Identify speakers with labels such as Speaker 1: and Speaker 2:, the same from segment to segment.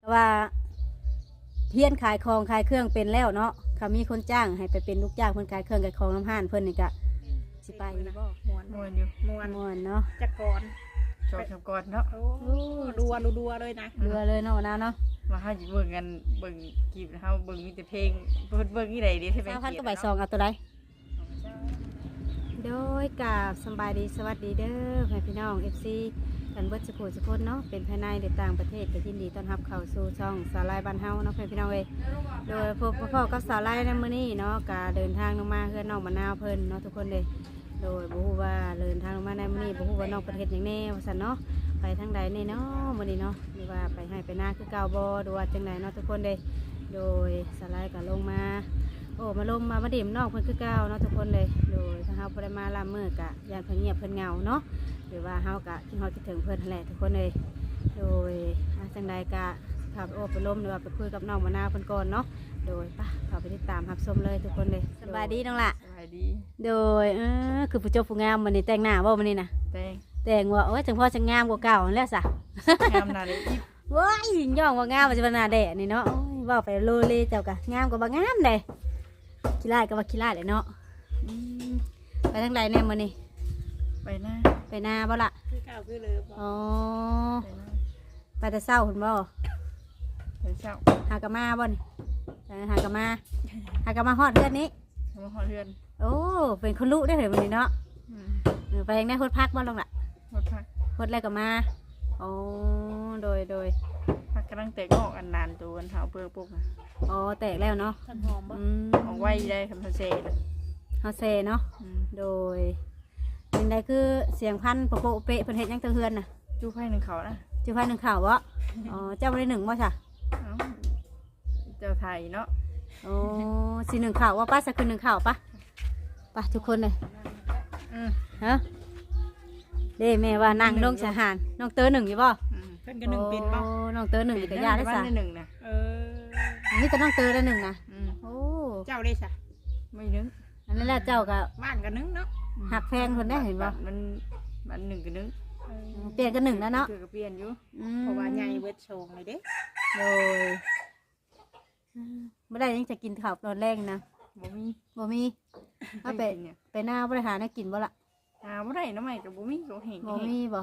Speaker 1: ว่าเพี้ยนขายของขายเครื่องเป็นแล้วเนาะเขามีคนจ้างให้ไปเป็นลูกจ้างเพิ่นขายเครื่องขายของน้ำห้านเพิ่นนี่ก็สิไปอยู่บ่
Speaker 2: มวน
Speaker 3: ม่วนอยู่
Speaker 1: ม่วนเนาะ
Speaker 2: จักก่อน
Speaker 3: จบกับก่อนเนาะ
Speaker 2: โอ้ดัวเลยนะ
Speaker 1: เรือเลยเนาะนะเนาะ
Speaker 3: มาเฮาสิเบิ่งกันเบิ่งกีบเฮาเบิ่งมีแต่เพลงเบิ่งนี่ใดดิที่เป็น
Speaker 1: 3,000
Speaker 3: กี
Speaker 1: ก็
Speaker 3: บ
Speaker 1: ใบซองเอาตัวใดโดยกับสบายดีสวัสดีเด้อแม่พี่น้อง FC กันเบิดสุขสุคนเนาะเป็นภายในหรือต่างประเทศก็ยินดีต้อนรับเข้าสู่ช่องสาวไลบ้านเฮาเนาะพี่น้องเอ้ยโดยพบพ่อกับสาวไลในมื้อนี้เนาะก็เดินทางลงมาเพื่อนน้องมะนาวเพิ่นเนาะทุกคนเลยโดยบ่ฮู้ว่าเดินทางลงมาในมื้อนี้บ่ฮู้ว่าน้องประเทศหยังแน่ว่าซั่นเนาะไปทางใดแน่เนาะมื้อนี้เนาะหรือว่าไปให้ไปนาคือเก่าบ่หรือว่าจังไดเนาะทุกคนเลยโดยสาวไลก็ลงมาโอ้มาลมมาดิ่มน้องเพิ่นคือเก่าเนาะทุกคนเลยโดยถ้าเฮาบ่ได้มาลามมื้อกะยานเพิ่นเงียบเพิ่นเหงาเนาะหรือว่าเฮากะที่เฮาคิดถึงเพิ่นนั่นแหละทุกคนเลยโดยจังไดกะขับโอ้ไปลมหรือว่าไปคุยกับน้องมะนาวเพิ่นก่อนเนาะโดยป่ะเข้าไปติดตามรับชมเลยทุกคนเลยสบายดีน้องล่ะ
Speaker 3: สบายดี
Speaker 1: โดยคือผู้เจบผู้งามมื้อนี้แต่งหน้าบ่มื้อนี้น่ะ
Speaker 3: แตง
Speaker 1: แต่งว่าโอ้ยจังพ่อจังงามกว่าเก่านั่นแหล้วซะ
Speaker 3: งามหน้าเลยอีฟ
Speaker 1: ว้ายย่องว่างามว่าจะเป็นหน้าแดะนี่เนาะโอ้ยเว้าไปโลเลเจ้ากะงามกว่าบ่งามเด้ขี้ร้ายก็ว่าขี้ร้ายแหละเนาะอืมไปทางใดแน่มื้อนี้
Speaker 3: ไปหน้า
Speaker 1: ไปนาบ่ล่ะ
Speaker 2: คือเก่าคือเลยบอก
Speaker 1: อ๋อ
Speaker 3: ไปหน้า
Speaker 1: ไปแต่เช้าพุ่นบ่
Speaker 3: ไปเช้า
Speaker 1: หากะมาบ่นี่หากะมาฮอดเรือนนี้
Speaker 3: มาฮอดเฮือน
Speaker 1: โอ้เป็นคนรู้ได้อเหรอมื้อนี้เนาะ
Speaker 3: อืม
Speaker 1: ไปทางได้ฮดพักบ่ลงล่ะ
Speaker 3: ฮอดพัก
Speaker 1: ฮดแล้วก็มาโอ้โดย
Speaker 3: พักกำลังแตกออกอันนานตัวอันเฮาเปิ้งปุ๊บนะ
Speaker 1: อ๋อแตกแล้วเนาะ
Speaker 2: ท่านหอมบ่
Speaker 1: อืม
Speaker 3: เอาไว้ได้คำทันเซนะ
Speaker 1: เฮาเซเนาะ
Speaker 3: อืม
Speaker 1: โดยเป็นใดคือเสียงพันโปะเปะเพิ่นเฮ็ดหยังเตะเฮือนน่ะ
Speaker 3: จู้ไผ่หนึ่งเขานะ
Speaker 1: จือพันหนึ่งข่าวบ่อ๋อเจ้าบ่ได้หนึ่งบ่จ้ะ
Speaker 3: เอ้าเจ้าไทยเนาะ
Speaker 1: โอ้สิหนึ่งข่าวว่าป้าสักคืนหนึ่งข่าวปะปะทุกคนเลย
Speaker 3: อืม
Speaker 1: ฮะเด้แม่ว่านั่งลงสะหารน้องเตอหนึ่งอยู่บ่
Speaker 3: อืม
Speaker 2: เพิ่นก็หนึ่งเป็นบ่
Speaker 1: โอ้น้องเตอหนึ่งอยู่กับยาได้
Speaker 3: บ้า
Speaker 1: สะ
Speaker 3: นได้หนึ่งนะ
Speaker 2: เออ
Speaker 1: นี่แต่น้องเตอได้หนึ่งนะ
Speaker 3: อืม
Speaker 1: โอ้
Speaker 2: เจ้าได้ซะ
Speaker 3: ไม่นึก
Speaker 1: อันนั้นแหละเจ้าก็
Speaker 2: บ้านก็นึงเนาะ
Speaker 1: หักแพงคนได้เห็นบ่
Speaker 3: มันหนึ่งกับนึง
Speaker 2: เออ
Speaker 1: เปลี่ยนกันหนึ่งแล้วเนาะ
Speaker 3: เกือกับเปลี่ยนอยู่
Speaker 2: เพราะว่าใหญ่เบิดโชงเลยเด้
Speaker 1: โดยไม่ได้ยังจะกินข้าวตอนแรกนะ
Speaker 3: บ่มี
Speaker 1: บ่มีเอาไป
Speaker 3: เนี่ย
Speaker 1: ไปหน้าบริหารให้กินบ่ล่ะ
Speaker 3: บ่ได้น้ำใหม่กับบ่มีก็เห็น
Speaker 1: บ่มีบ่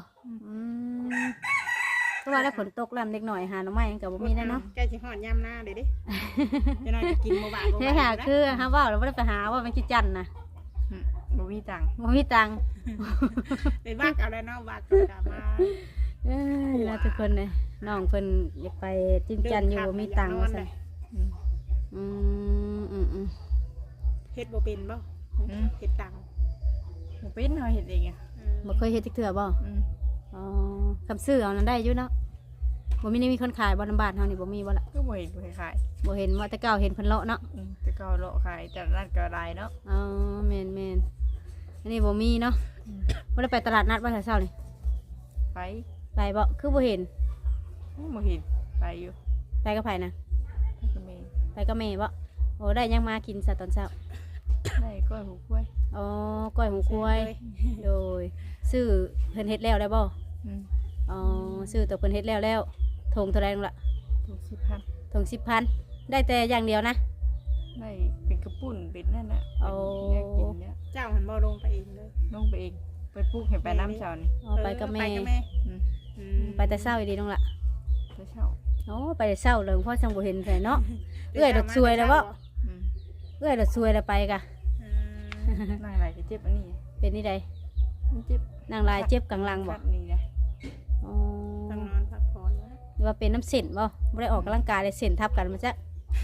Speaker 1: ก็ว่าได้ฝนตกแล้วเด็กหน่อยหาหน่อไม้กับบ่มีได้เนาะ
Speaker 2: ใกล้สิฮอดยามหน้าเด้เด้จะน้อยจะกินบ่บาดบ่
Speaker 1: นี่
Speaker 2: บา
Speaker 1: ค่ะ
Speaker 2: ดนะ
Speaker 1: คือฮะว่าเราไม่ได้ไปหาว่ามันคิดจันนะ
Speaker 3: บ่มีตังค์
Speaker 1: บ่มีตังค์
Speaker 2: ไปบ้านเอาแล้วเนาะบ้านก็กลับมา
Speaker 1: เอ้ยแล้วทุกคนเลยน้องเพิ่นอยากไปจิ้มจันอยู่บ่มีตังค์ว่าซั่นอืม
Speaker 2: เฮ็ดบ่เป็นบ่เฮ็ดตัง
Speaker 3: บ่เป็นเฮาเฮ็ดเองอ่ะ
Speaker 1: บ่เคยเฮ็ดจักเทื่อบ่อ๋อคำซื้อเอานั้นได้อยู่เนาะบ่มีนี่มีคนขายบ่น้ำบ้านเฮานี่บ่มีบ่ล่ะ
Speaker 3: ก็บ่เห็นบ่ขาย
Speaker 1: บ่เห็นว่าแต่เก่าเห็นเพิ่นเลาะเนาะ
Speaker 3: แต่ก็เลาะขายแต่ร้านก็ได้เนาะ
Speaker 1: อ๋อแม่นอันนี้บ่มีเนาะบ่ได้ไปตลาดนัดว่าแต่เช้านี่
Speaker 3: ไป
Speaker 1: ไปบ่คือบ่เห็น
Speaker 3: บ่เห็นไปอยู่
Speaker 1: ไปกับไผนะ
Speaker 3: ก็มี
Speaker 1: ไปกับแม่บ่โอ้ได้ยังมากินซะตอนเช้า
Speaker 3: ได้ก้อยหูกล้วย
Speaker 1: อ๋อก้อยหูควายโดยซื้อเพิ่นเฮ็ดแล้วได้บ่อ๋อซื้อตัวเพิ่นเฮ็ดแล้วทงเท่าไรนั่นล่ะ
Speaker 3: ถูก10,000
Speaker 1: ทง10,000ได้แต่อย่างเดียวนะ
Speaker 3: ได้เป็นกระปุ่นเป็นนั่นน่ะกินเนี่ย
Speaker 2: เจ้าหันบ่ลงไปเองเลย
Speaker 3: ลงไปเองไปปลูกให้ไปน้ำเช้านี่
Speaker 1: อ๋อไปกับแม่
Speaker 3: อืม
Speaker 1: ไปแต่เช้าอีดีน้องล่ะ
Speaker 3: ไปเช้า
Speaker 1: อ๋อไปแต่เช้าเลยพ่อจังบ่เห็นใส่เนาะ เอื้อยดอกซวยแล้วบ่
Speaker 3: อืม
Speaker 1: เอ้ยเราซวยแล้วไปกะ
Speaker 3: นางไหลจะเจ็บอันนี้
Speaker 1: เป็นนี่ใด
Speaker 3: มันเจ็บ
Speaker 1: นางลายเจ็บกลางหลังบ่
Speaker 3: นี่นะ
Speaker 1: อ๋อ
Speaker 2: ต้องนอนพักผ่อนแล้ว
Speaker 1: หรือว่าเป็นน้ำเส้นบ่บ่ได้ออกกำลังกายเลยเส้นทับกันมาจ้ะ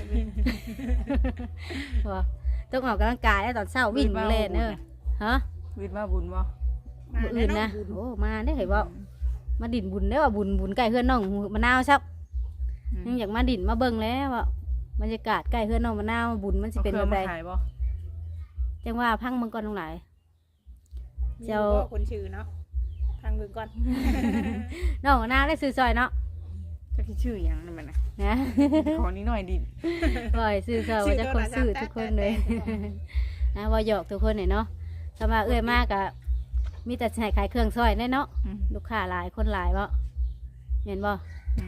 Speaker 1: บ่ต้องออกกำลังกายแล้วตอนเช้าวิ่งเล่นฮะ
Speaker 3: วิดมาบุญบ่
Speaker 1: มื้ออื่นนะโอ้มาได้เหรอบ่มาดินบุญได้อว่าบุญใกล้เฮือนน้องมะนาวซับยังอยากมาดินมาเบิ่งแล้วว่าบรรยากาศใกล้เฮือนน้องมะนาวบุญมันสิเป็นแบบใด
Speaker 3: ขายบ่
Speaker 1: จังว่าพังเบิ่งก่อนตรงไหน
Speaker 2: เจ้าคนชื่อเนาะทางเบิ่งก่อน
Speaker 1: น้องมะนาวได้ซื้อซอยเนาะ
Speaker 3: จะคิดชื่ออย่างนั่นมันนะ
Speaker 1: นะ
Speaker 3: ขอนิดหน่อยดิ
Speaker 1: บ่อยซื้อซอยว่าจะคนซื้อทุกคนเลยนะว่าหยอกทุกคนเนี่ยเนาะถ้ามาเอื้อยมากอะมีแต่ใช้ขายเครื่องซอยแน่เนาะลูกค้าหลายคนหลายบ่เห็นบ่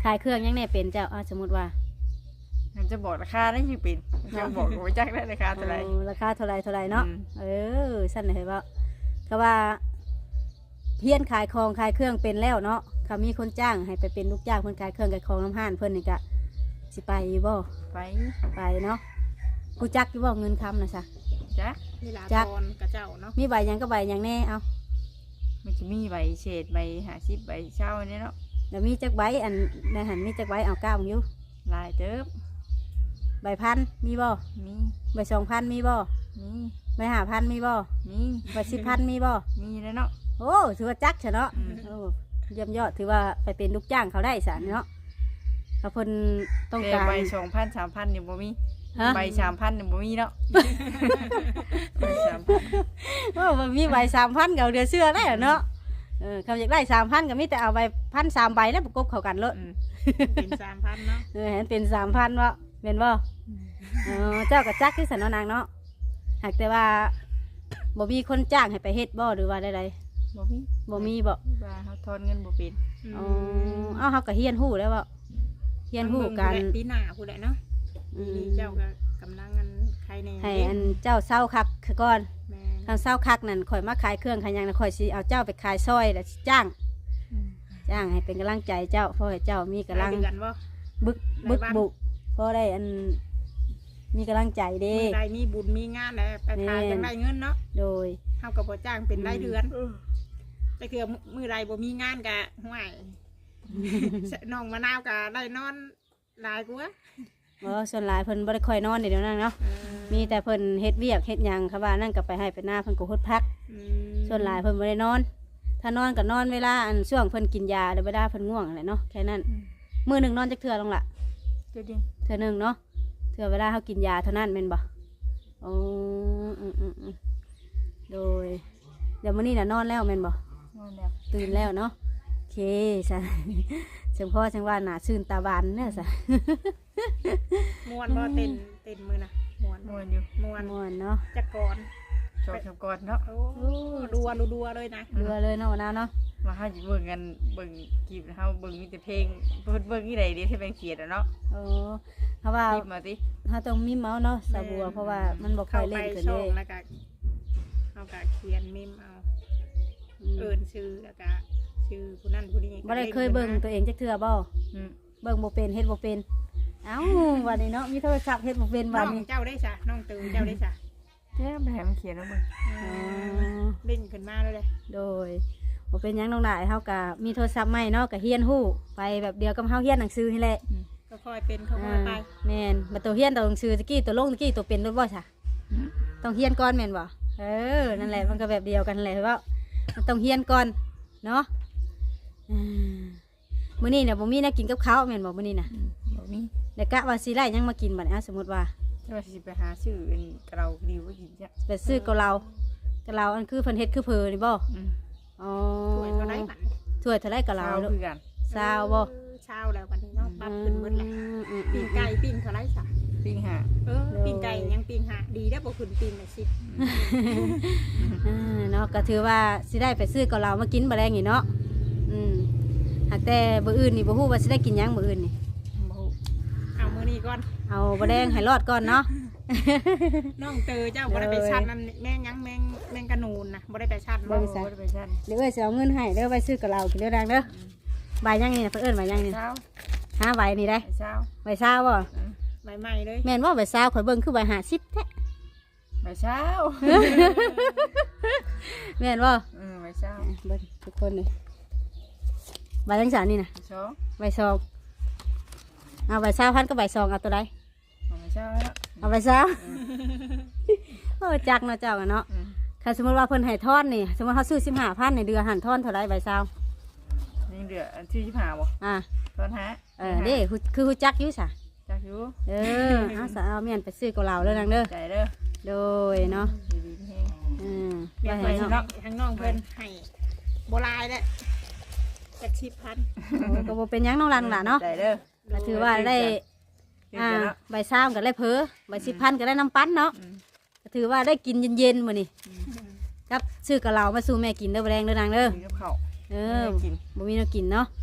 Speaker 1: ขายเครื่องยังแน่เป็นเจ้าสมมุติว่า
Speaker 3: มันจะบอกราคาได้สิเป็นจะบอกกูจักได้ราคาเท่าไหร่
Speaker 1: ราคาเท่าไรเนาะ สั้นเลยว่าเขาว่าเพี้ยนขายของขายเครื่องเป็นแล้วเนาะเขามีคนจ้างให้ไปเป็นลูกจ้างเพิ่นขายเครื่องขายของน้ำห้านเพิ่นนี่กะสิไปอยู่บ่
Speaker 3: ไป
Speaker 1: ไปเนาะกูจักอยู่บ่เงินคำนะซะ
Speaker 3: จัก
Speaker 2: เวลา
Speaker 1: จัก
Speaker 2: ตอนกับเจ้าเนาะ
Speaker 1: มีใบหยังก็ใบหยังแน่เอา
Speaker 3: มันจะมีใบเศษใบ50ใบเช่าอันนี้เนาะ
Speaker 1: แล้วมีจักใบอันในหันมีจักใบเอาก้าวอยู่
Speaker 3: ลายเติบ
Speaker 1: ใบพันมีบ่
Speaker 3: มี
Speaker 1: ใบ2,000มีบ่
Speaker 3: มี
Speaker 1: ใบ5,000มีบ่
Speaker 3: มี
Speaker 1: ใบ10,000มีบ่
Speaker 3: มีแล้วเนาะ
Speaker 1: โอ้ถือว่าจักเฉเนาะโอ้เยี่ยมยอดถือว่าไปเป็นลูกจ้างเขาได้สารเนาะเขาเพิ่นต้อง
Speaker 3: แต่
Speaker 1: การ
Speaker 3: ใบ2,000 3,000นี่บ่มี
Speaker 1: ฮะ
Speaker 3: ใบ3,000นี่บ่มีเนาะใบ3,000
Speaker 1: โอ้มันมีใบ3,000กับเดือเสื้อได้เหรอเนาะคำอยากได้3,000ก็มีแต่เอาใบ1,300ใบแล้วประกบเข้ากันเลย
Speaker 2: เป็น3,000เนาะ
Speaker 1: เห็นเป็น3,000วะเป็นบ่เจ้ากับจักที่สันนางเนาะหากแต่ว่าบ่มีคนจ้างให้ไปเฮ็ดบ่หรือว่าใด
Speaker 3: บ่มี
Speaker 1: ๆบ่มีบ่
Speaker 3: ว่าเฮาทอนเงินบ่เป็น
Speaker 1: เอาเฮาก็เฮียนฮู้แล้วบ่เฮียนฮู้กัน
Speaker 2: ปีหน้าผู้ใดเนาะ
Speaker 1: อืม
Speaker 2: นี่เจ้าก็กำลังอันใครใน
Speaker 1: ให้อันเจ้าเศร้าคักก่อน
Speaker 2: แม่น
Speaker 1: ทางเศร้าคักนั่นข่อยมาขายเครื่องขายหยังน่ะข่อยสิเอาเจ้าไปขายซอยแล้วสิจ้างให้เป็นกำลังใจเจ้าเพราะให้เจ้ามีกำลัง
Speaker 2: รายเดือนบ่
Speaker 1: บึกบุกเพราะได้อันมีกำลังใจเด้
Speaker 2: มื้อใดมีบุญมีงานแล้วไปขายจังได้เงินเนาะ
Speaker 1: โดย
Speaker 2: เฮาก็บ่จ้างเป็นรายเดือนแต่คือมื้อใดบ่มีงานก็ห่วยน้องมะนาวก็ได้นอนหลายกว่า
Speaker 1: ส่วนหลายเพิ่นบ่ได้ค่อยนอนเดี๋ยวนั้นเนาะมีแต่เพิ่นเฮ็ดเวียกเฮ็ดหยังค่ะว่านั่นก็ไปให้ไปหน้าเพิ่นก็ฮดพัก ส่วนหลายเพิ่นบ่ได้นอน ถ้านอนก็นอนเวลาอันช่วงเพิ่นกินยาหรือเวลาเพิ่นง่วงอะไรเนาะแค่นั้นมื้อหนึงนอนจักเทื่อลงล่ะ
Speaker 3: เดี๋ยวดิ
Speaker 1: เทื่อหนึงเนาะเทื่อเวลาเฮากินยาเท่านั้นแม่นบ่อ๋อโดยเดี๋ยวมื้อนี้น่ะนอนแล้วแม่นบ่
Speaker 3: นอนแล้ว
Speaker 1: ตื่นแล้วเนาะโอเคซะเชิงพ่อเชิงว่าหน้าชื่นตาบานเนี่ยซะ
Speaker 2: ม่วนบ่เต้นมื้อน่ะม่วน
Speaker 3: ม่วนอยู่
Speaker 2: ม่วน
Speaker 1: ม่วนเนาะ
Speaker 2: จักก่อน
Speaker 3: จบก่อนเนาะ
Speaker 2: โอ้ดัวเลยนะ
Speaker 1: เรือเลยเนาะวันนั้นเนาะ
Speaker 3: มาเฮาสิเบิ่งกันเบิ่งคลิปเฮาเบิ่งมีแต่เพลงเพิ่นเบิ่งอีใดเด้ที่เป็นเขียนเนาะ
Speaker 1: โอ้เพราะว่า
Speaker 3: คลิปมาติ
Speaker 1: ถ้าต้องมีเมาส์เนาะสาบัวเพราะว่ามันบ่ค่อยเล่นขึ้น
Speaker 2: ช่
Speaker 1: เล
Speaker 2: อง
Speaker 1: ย
Speaker 2: แล้วก็เอาก็เขียนมิมเอาเอิ้นชื่อแล้วก็ชื่อผู้นั้นผู้นี้
Speaker 1: บ่ได้เคยเบิ่งตัวเองจักเทื่อบ่
Speaker 3: อืม
Speaker 1: เบิ่งบ่เป็นเฮ็ดบ่เป็นเอ้าวันนี้เนาะมีโทรศัพท์เฮ็ดบ่เป็น
Speaker 2: น้
Speaker 1: วั
Speaker 2: อน ง
Speaker 1: นี้
Speaker 2: เจ้าได้จ้ะน้องตือเจ้าได้จ้ะ
Speaker 3: แท้ไปให้มันเขียนเอาเบิ่ง
Speaker 2: เล่นขึ้นมาเลย
Speaker 1: โดยบ่เป็นหยังน้องหลายเฮาก็มีโทรศัพท์ใหม่เนาะก็เฮียนฮู้ไปแบบเดียวกับเฮาเฮียนหนังสือนี่แหละ
Speaker 2: ก็ค่อยเป็นค่อยไป
Speaker 1: แม่นบัดตัวเฮียนตัวหนังสือตะกี้ตัวลงตะกี้ตัวเป็นรถบ่ซะต้องเฮียนก่อนแม่นบ่นั่นแหละมันก็แบบเดียวกันแหละว่ามันต้องเฮียนก่อนเนาะมื้อนี้น่ะบ่มีแนวกินกับข้าวแม่นบ่มื้อนี้น่ะ
Speaker 3: บ่มี
Speaker 1: แล้วกะว่าสิไล่หยังมากินบัดนี้สมมุติว่า
Speaker 3: แต่ว่าสิไปหาชื่อเป็นกระเราดีว่ากินจ้ะ
Speaker 1: ไปซื้อเกะเหลาอันคือเพิ่นเฮ็ดคือเพอนี่บ่
Speaker 3: อืม
Speaker 1: อ๋อ
Speaker 2: ถ้วยเท่าไรบัด
Speaker 1: ถ้วยเท่าไรเกะเหลา
Speaker 3: เช้า
Speaker 1: ลูก
Speaker 3: คือกัน
Speaker 1: ซาวบ่
Speaker 2: เช้าแล้วบัดนี้เนาะปรับขึ้นหมดแล้วปิ้งไก่ปิ้งเท่าไรจ้ะ
Speaker 3: ปิ้งหา
Speaker 2: ปิ้งไก่ยังปิ้งหาดีได้บ่ขึ้นปิ้งน่ะสิ
Speaker 1: เนาะก็ถือว่าสิได้ไปซื้อเกะเหลามากินบ่แรงนี่เนาะหากแต่มื้ออื่นนี่บ่ฮู้ว่าสิได้กินหยังมื้ออื่นนี่
Speaker 3: บ่ฮู้
Speaker 2: เอามื้อนี้ก่อน
Speaker 1: เอาบ่แดงให้รอดก่อนเนาะ
Speaker 2: น้องเตอเจ้าบ่ได้ไปชัดนั่นแม่งยังแม่งกระนูนนะบ่ได้ไปชัด
Speaker 1: บ่
Speaker 2: เนาะ
Speaker 1: ได้
Speaker 3: บ่ได้ไปชั้น
Speaker 1: เดี๋ยวเอ้ยสิเอาเงินให้เด้อไปซื้อเกะเหลากินเด้อดังเด้อใบยังนี่น่ะเพิ่นเอิ้นใบยังนี่
Speaker 3: เช้า
Speaker 1: หาใบนี่ได้
Speaker 3: เช้า
Speaker 1: ใบซาวบ่
Speaker 2: ใบใหม่เลย
Speaker 1: แม่นบ่ใบซาวข่อยเบิ่งคือใบ50แท้
Speaker 3: ไปเช้า
Speaker 1: แม่นบ่
Speaker 3: ไปเช้า
Speaker 1: เบิ่งทุกคนเลยใบจังซั่นนี่น่ะ
Speaker 3: ไปสอง
Speaker 1: ใบซองเอาใบ20,000กับใบซองเอาตัวใด
Speaker 3: ไปเช้าแล้ว
Speaker 1: เอาไปซะโอ้จักเนาะเจ้าอะเนาะถ้าสมมติว่าเพิ่นให้ทอนนี่สมมติเขาซื้อ15,000ในเดือนหันทอนเท่าไรใบซาว
Speaker 3: นี่เดือที่25บ่
Speaker 1: อ่า
Speaker 3: ตอนหา
Speaker 1: เด้คือฮู้จักอยู่ซะ
Speaker 3: จักอยู่
Speaker 1: เอาซะเอาเมียนไปซื้อกับเราเด้อนางเด้อ
Speaker 3: ใจเด้อ
Speaker 1: โดยเนาะ
Speaker 3: ดีๆแฮง
Speaker 2: เรียก
Speaker 1: ไป
Speaker 2: ไป
Speaker 1: ให้
Speaker 2: เนาะ
Speaker 1: เนาะ
Speaker 2: ทางน้องเพิ่นให้บ่ลายเด้จัก10,000
Speaker 1: ก็บ่เป็นหยังน้องหลานล่ะเนาะ
Speaker 3: ใจเด้อ
Speaker 1: ก็ถือว่าได้ใบซาวก็ได้เพอใบ10,000ก็ได้น้ำปั้นเนาะก็ถือว่าได้กินเย็นๆมื้อนี้ครับซื้อกับเรามาสู่แม่กินเด้อบ่แรงเด้อนางเด้อ
Speaker 3: กินกับข้าว
Speaker 1: บ่มีแนวกินเนาะ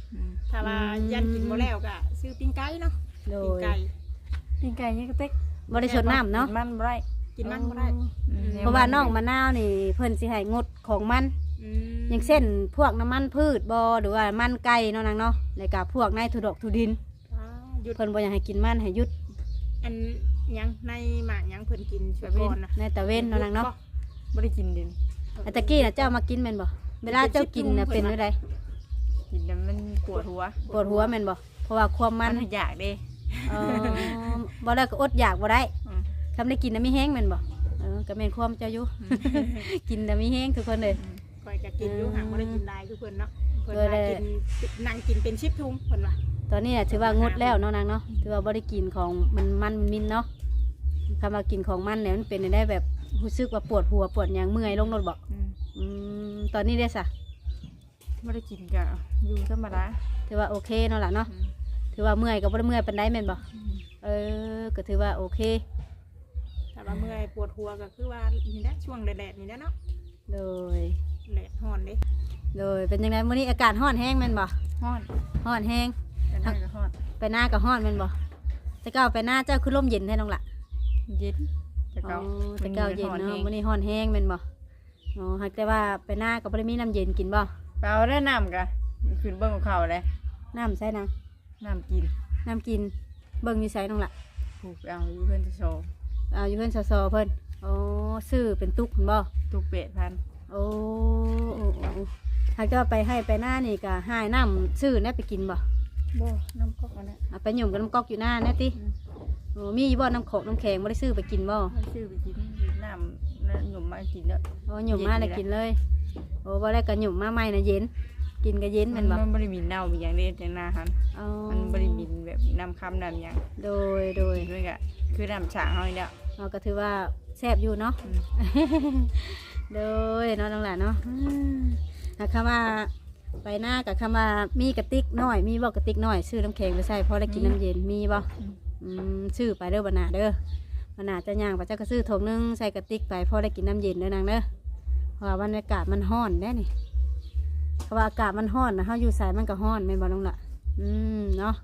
Speaker 2: ถ้าว่ายันกินบ่แล้วก็ซื้อปิ้งไก่เนาะ
Speaker 1: โด
Speaker 2: ปิ้ง
Speaker 1: ย
Speaker 2: ไก่
Speaker 3: กินไก่ยังกระเต็ก
Speaker 1: บ่ได้ชดน้ำเนาะ
Speaker 3: กิมันบ่ได้
Speaker 2: กินมันบ่ได้
Speaker 1: เพราะว่าน้องมะนาวนี่เพิ่นสิให้งดของมัน
Speaker 2: อืม
Speaker 1: อย่างเช่นพวกน้ำมันพืชบ่หรือว่ามันไก่เนาะนางเนาะแล้วก็พวกในทุดอกทุดิน
Speaker 2: หยุด
Speaker 1: เพิ่นบ่อยากให้กินมันให้หยุด
Speaker 2: อันหยังในหมากหยังเพิ่นกินช่วยก่อนนะ
Speaker 1: ในตะเว้นเนาะนางเนาะ
Speaker 3: บ่ได้กินดิน
Speaker 1: อันตะกี้น่ะเจ้ามากินแม่นบ่เวลาเจ้ากินน่ะเป็นจังได
Speaker 3: กินแล้วมันปวดหัว
Speaker 1: ปวดหัวแม่นบ่เพราะว่าความมัน
Speaker 3: อยากเด้
Speaker 1: เออบ่แล้วก็อดอยากบ่ได้
Speaker 3: อืม
Speaker 1: คำได้กินน่ะมีแห้งแม่นบ่ก็แม่นความเจ้าอยู่ กินน่ะมีแห้งทุกคนเลย
Speaker 2: คอยจะกินอยู่ห่างบ่ได้กินได้คือเพิ่นเนาะเพิ่น
Speaker 1: เออ
Speaker 2: ว่า
Speaker 1: ได้
Speaker 2: กินนั่งกินเป็น10ถุงเพิ่นว่า
Speaker 1: ตอนนี้น่ะถือว่างดแล้วเนาะนางเนาะถือว่าบ่ได้กินของมันมินเนาะคำว่ากินของมันเนี่ยมันเป็นได้แบบรู้สึกว่าปวดหัวปวดหยังเมื่อยลงรถบ่ ตอนนี้ได้ซะ
Speaker 3: บ่ได้กินก็อยู่ธรรมดา
Speaker 1: ถือว่าโอเคเนาะล่ะเนาะถือว่าเมื่อยก็บ่ได้เมื่อยปานใดแม่นบ่ก็ถือว่าโอเค
Speaker 2: ถ้าว่าเมื่อยปวดหัวก็คือว่านี่แหละช่วงแดดๆนี่แหละเนาะ
Speaker 1: โดย
Speaker 2: แดดร้อนเด้
Speaker 1: โดยเป็นยังไงมื้อนี้อากาศร้อนแห้งแม่นบ่
Speaker 3: ฮ้อน
Speaker 1: ร้อนแห้ง
Speaker 3: แต่นั่นก็ฮ้อน
Speaker 1: ไปหน้าก็ร้อนแม่นบ่แต่เก่าไปหน้าเจ้าคือลมเย็นแท้น้องล่ะ
Speaker 3: เย็นแต่
Speaker 1: อ๋อ
Speaker 3: เก่า
Speaker 1: แต่เก่าเย็นเนาะมื้อนี้ร้อนแห้งแม่นบ่อ๋อหากแต่ว่าไปหน้าก็บ่ได้มีน้ำเย็นกินบ่
Speaker 3: เปล่าได้น้ำกะขึ้นเบิ่งของเขาเลย
Speaker 1: น้ำใส่นาง
Speaker 3: น้ำกิน
Speaker 1: น้ำกินเบิ่งอยู่ไสน้องล่ะ
Speaker 3: ผูกเอาอยู่เพื่อนจะโชว์
Speaker 1: เอาอยู่เพิ่นซอๆเพิ่นโอ้ซื้อเป็นตุกพุ่นบ่
Speaker 3: ตุกเป็ดพัน
Speaker 1: โอ้หากจะไปให้ไปหน้านี่ก็ให้น้ำซื้อเนี่ยไปกินบ่
Speaker 3: บ่น้ำก๊อกอันนั้น
Speaker 1: เอาไปหยุ่มกับน้ำก๊อกอยู่หน้าเนี่ยติโอ้มีบ่น้ำโขกน้ำแข็งบ่ได้ซื้อไปกินบ่
Speaker 3: มันซื้อไปกินน้ำนั่นหนุ่มมากินเด้อ
Speaker 1: โอ้หยุ่มมาเลยกินเลยโอ้บ่ได้ก็หยุ่มมาใหม่น่ะเย็นกินก็เย็นแม่นบ่
Speaker 3: มันบ่ได้มีเน่ามีอย่างเด็ดอย่างนาหัน
Speaker 1: อ๋อ
Speaker 3: มันบ่ได้มีแบบน้ำคำน้ำหยัง
Speaker 1: โดย
Speaker 3: ด้วยกะคือน้ำฉางเฮานี่แหละ
Speaker 1: เราก็ถือว่าแซ่บอยู่เนาะโดยเนาะน้องหลานเนาะหากคำว่าไปหน้ากับคำว่ามีกระติกน้อยมีบ่กระติกน้อยซื้อน้ำแข็งไปใส่พอได้กินน้ำเย็นมีบ่ซื้อไปเด้อบ่น่าเด้อบ่น่าจะย่างไปเจ้าก็ซื้อถุงนึงใส่กระติกไปพอได้กินน้ำเย็นเด้อนางเด้อเพราะว่าบรรยากาศมันร้อนได้นี่เพราะว่าอากาศมันร้อนนะเฮาอยู่ใส่มันก็ร้อนแม่นบ่น้องล่ะเนาะ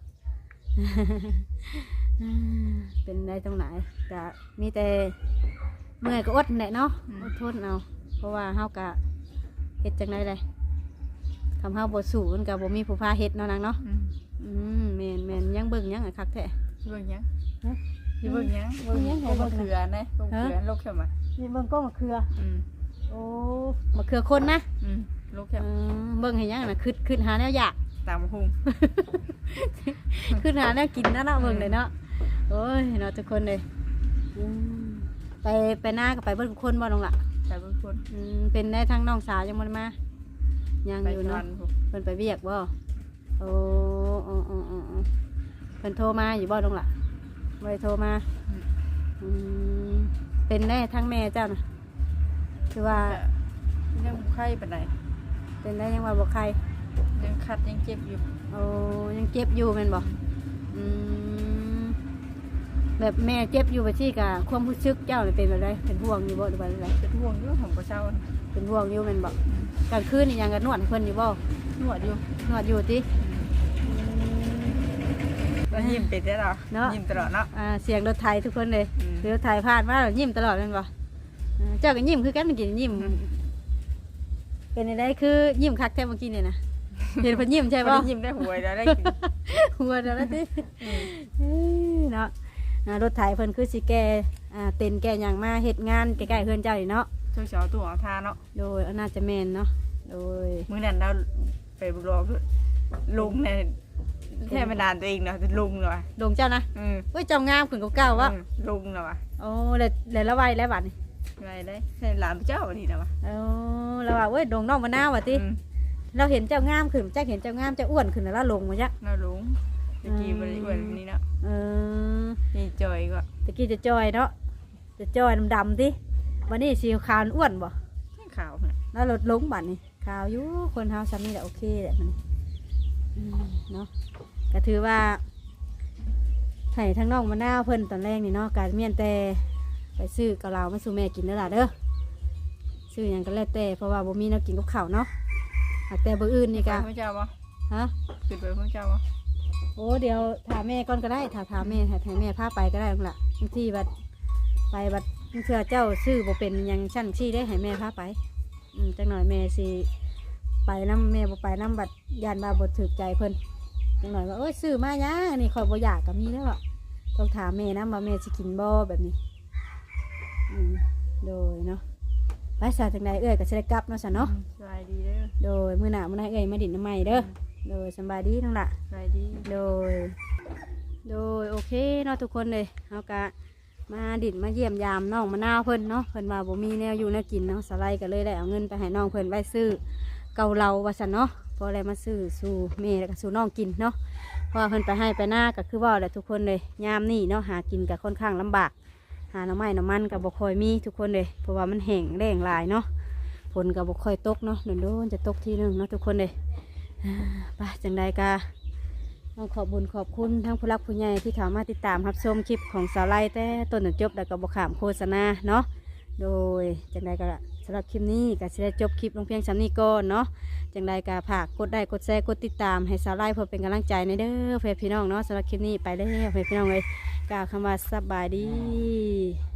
Speaker 1: เป็นได้ตรงไหนก็มีแต่เมื่อยก็อดแหละเนาะอดทนเอาเพราะว่าเฮากะเฮ็ดจังไดเลยทำเฮาบ่สู้มันก็บ่มีผู้พาเฮ็ดเนาะนางเนาะแม่นยังเบิ่งยังอะคักแท้
Speaker 3: เบิ่งหยังสิเบิ่งหยังเบิ่งหยังบ่เขือนะบ่เขือโลกเข้ามา
Speaker 1: นี่เบิ่งก็มะเขือโอ้มะเขือคนนะ
Speaker 3: โลกเข้า
Speaker 1: เบิ่งให้ยังน่ะขึ้นหาแนวอยาก
Speaker 3: ตามหุง
Speaker 1: ขึ้นหาแนวกินนะเนาะเบิ่งเลยเนาะโอ้ยเนาะทุกคนเลยไปหน้าก็ไปเบิ่งทุกคนบ่น้องล่ะ
Speaker 3: แต่บางคน
Speaker 1: เป็นได้ทั้งน้องสาวยังบ่ได้มายัง
Speaker 3: ไป
Speaker 1: อยู่
Speaker 3: นอ
Speaker 1: เนาะ
Speaker 3: น
Speaker 1: เพิ่นไปเวียกบ่โอ้เพิ่นโทรมาอยู่บ่น้องล่ะบ่ได้โทรมาเป็นได้ทั้งแม่เจ้าน่ะคือว่า
Speaker 3: ยังไข้ปานใด
Speaker 1: เป็นได้ยังว่าบ่ใคร
Speaker 3: ยังคัดยังเจ็บอยู่
Speaker 1: โอ้ยังเจ็บอยู่แม่นบ่แบบแม่เจ็บอยู่ไปที่กะความรู้สึกเจ้านี่เป็นแบบไรเป็นห่วงอยู่บ่หรือว่าอะไร
Speaker 3: เป็นห่วงอยู่ของประเช้า
Speaker 1: เป็นห่วงอยู่แม่นบ่กลางคืนนี่ยังกันนวดให้เพิ่นอยู่บ่
Speaker 3: นวดอยู่
Speaker 1: นวดอยู่ติ
Speaker 3: ก็ยิ้มไปได้หรอยิ้มตลอดเนาะ
Speaker 1: เสียงรถไถทุกคนเลยรถไถผ่านมาแล้วยิ้มตลอดแม่นบ่เจ้าก็ยิ้มคือกันเมื่อกี้ยิ้มเป็นได้คือยิ้มคักแท้เมื่อกี้นี่นะเห็นเพิ่นยิ้มใช่บ่
Speaker 3: ยิ้มได้หวยแล้วได้กิน
Speaker 1: หัวเดี๋ยวแล้วติเนาะรถไถเพิ่นคือสิแก่เต็นแก่หยังมาเฮ็ดงานใกล้ๆเฮือนเจ้านี่เนาะ
Speaker 3: ช่วงเช้าตัวของทาเนาะ
Speaker 1: โดยน่าจะแม่นเนาะโดย
Speaker 3: มื้อนั้นเราไปบุกรอลุงเนี่ยแค่ไม่นานตัวเองเนาะลุงเนาะ
Speaker 1: ดงเจ้านะเฮ้ยเจ้างามขึ้นกว่าเก่าวะ
Speaker 3: ลุงเนาะ
Speaker 1: โอ้เลยละไวแล้วบัดนี่
Speaker 3: ไงได้ใช่หลานเจ้านี่นะวะ
Speaker 1: โอ้แล้วว่าเว้ยดงน้องมะนาวว่ะติเราเห็นเจ้างามขึ้นจักเห็นเจ้างามเจ้าอ้วนขึ้นแล้วลงมาจัก
Speaker 3: เราลุงตะกี้บริเวณนี้เนาะ นี่จอยก็
Speaker 1: ตะกี้จะจอยเนาะจะจอยดำๆติวันนี้สีขาวอ้วนบ่
Speaker 3: ขาว
Speaker 1: แล้วลดลงบัดนี่ขาวอยู่คนเฮาซ้ำนี่แหละโอเคแหละมันเนาะก็ถือว่าให้ทั้งน้องมะนาวเพิ่นตอนแรกนี่เนาะการเมียนแต่ไปซื้อกับเรามาสู่แม่กินเด้อล่ะเด้อซื้อหยังก็แล้วแต่เพราะว่าบ่มีแนวกินกับข้าวเนาะหากแต่บ่อื่นนี่ก็
Speaker 3: ไม่เจ้าบ่
Speaker 1: ฮะ
Speaker 3: ไขึ้นไปพวกเจ้าบ่
Speaker 1: โอ้เดี๋ยวถามแม่ก่อนก็ได้ถามแม่ถามแม่พาไปก็ได้นั่นล่ะบางทีบัดไปบัดเชื่อเจ้าซื้อบ่เป็นหยังชั้นชี้ได้ให้แม่พาไปจังหน่อยแม่สิไปน้ำแม่บ่ไปน้ำบัดยานบาบ่ถูกใจเพิ่นจังหน่อยว่าเอ้ยซื้อมาหยังนี่ข่อยบ่อยากก็มีแล้วอะต้องถามแม่นะว่าแม่สิกินบ่แบบนี้โดยเนาะไปซะจังใดเอ้ยก็สิได้กลับเนาะซะเนาะ
Speaker 3: สบายดีเด้อ
Speaker 1: โดยมื้อหน้ามื้อหน้าเอ้ยมาดินน้ำใหม่เด้อโดยสำบายดีทั้งละ
Speaker 3: สบายดี
Speaker 1: โดยโอเคเนาะทุกคนเลยเอากะมาดินมาเยี่ยมยามน้องมะนาวเพิ่นเนาะเพิ่นว่าบ่มีแนวอยู่แนวกินเนาะสไลด์ก็เลยได้เอาเงินไปให้น้องเพิ่นไว้ซื้อเกาเหลาว่าซั่นเนาะพออะไรมาซื้อสู่แม่แล้วก็สู่น้องกินเนาะเพราะว่าเพิ่นไปให้ไปหน้าก็คือว่าแหละทุกคนเลยยามนี่เนาะหากินก็ค่อนข้างลำบากหาหน่อไม้หน่อมันก็บ่ค่อยมีทุกคนเลยเพราะว่ามันแห้งแล้งหลายเนาะฝนก็บ่ค่อยตกเนาะโดนๆจะตกทีนึงเนาะทุกคนเลยไปจังใดกะต้องขอบบุญขอบคุณทั้งผู้รักผู้ใหญ่ที่เข้ามาติดตามรับชมคลิปของสาวไล่แต่ต้นจนจบแล้วก็บ่ขามโฆษณาเนาะโดยจังใดก็สำหรับคลิปนี้ก็จะได้จบคลิปลงเพียงสำนี้ก่อนเนาะจังใดก็ฝากกดไลค์กดแชร์กดติดตามให้สาวไล่เพื่อเป็นกำลังใจในเด้อเพื่อนพี่น้องเนาะสำหรับคลิปนี้ไปเด้อเพื่อนพี่น้องเลยกล่าวคำว่าสบายดี